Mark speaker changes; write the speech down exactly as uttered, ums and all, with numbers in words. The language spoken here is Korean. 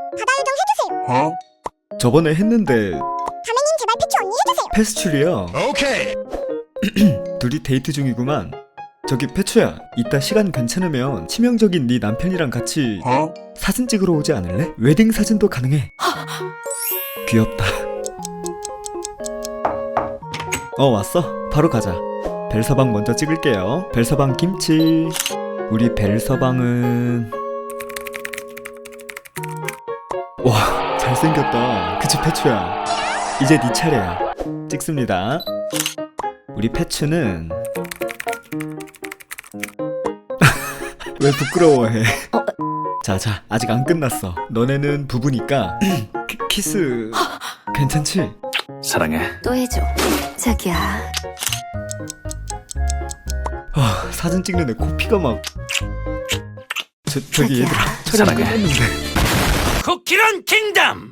Speaker 1: 바다유정 해주세요.
Speaker 2: 어?
Speaker 3: 저번에 했는데
Speaker 1: 가매님 제발 패치 언니 해주세요.
Speaker 3: 패스츄리야.
Speaker 2: 오케이.
Speaker 3: 둘이 데이트 중이구만. 저기 패츄야, 이따 시간 괜찮으면 치명적인 네 남편이랑 같이
Speaker 2: 어?
Speaker 3: 사진 찍으러 오지 않을래? 웨딩 사진도 가능해. 귀엽다. 어, 왔어? 바로 가자. 벨서방 먼저 찍을게요. 벨서방 김치. 우리 벨서방은 와, 잘생겼다. 그치 패츄야? 이제 네 차례야. 찍습니다. 우리 패츄는 왜 부끄러워해? 자자, 아직 안 끝났어. 너네는 부부니까 키, 키스 괜찮지?
Speaker 2: 사랑해.
Speaker 4: 또 해줘. 자기야.
Speaker 3: 아, 사진 찍는데 코피가 막 저, 저기
Speaker 4: 자기야.
Speaker 3: 얘들아, 촬영
Speaker 2: 사랑해.
Speaker 3: 끝났는데.
Speaker 2: 쿠키런 킹덤.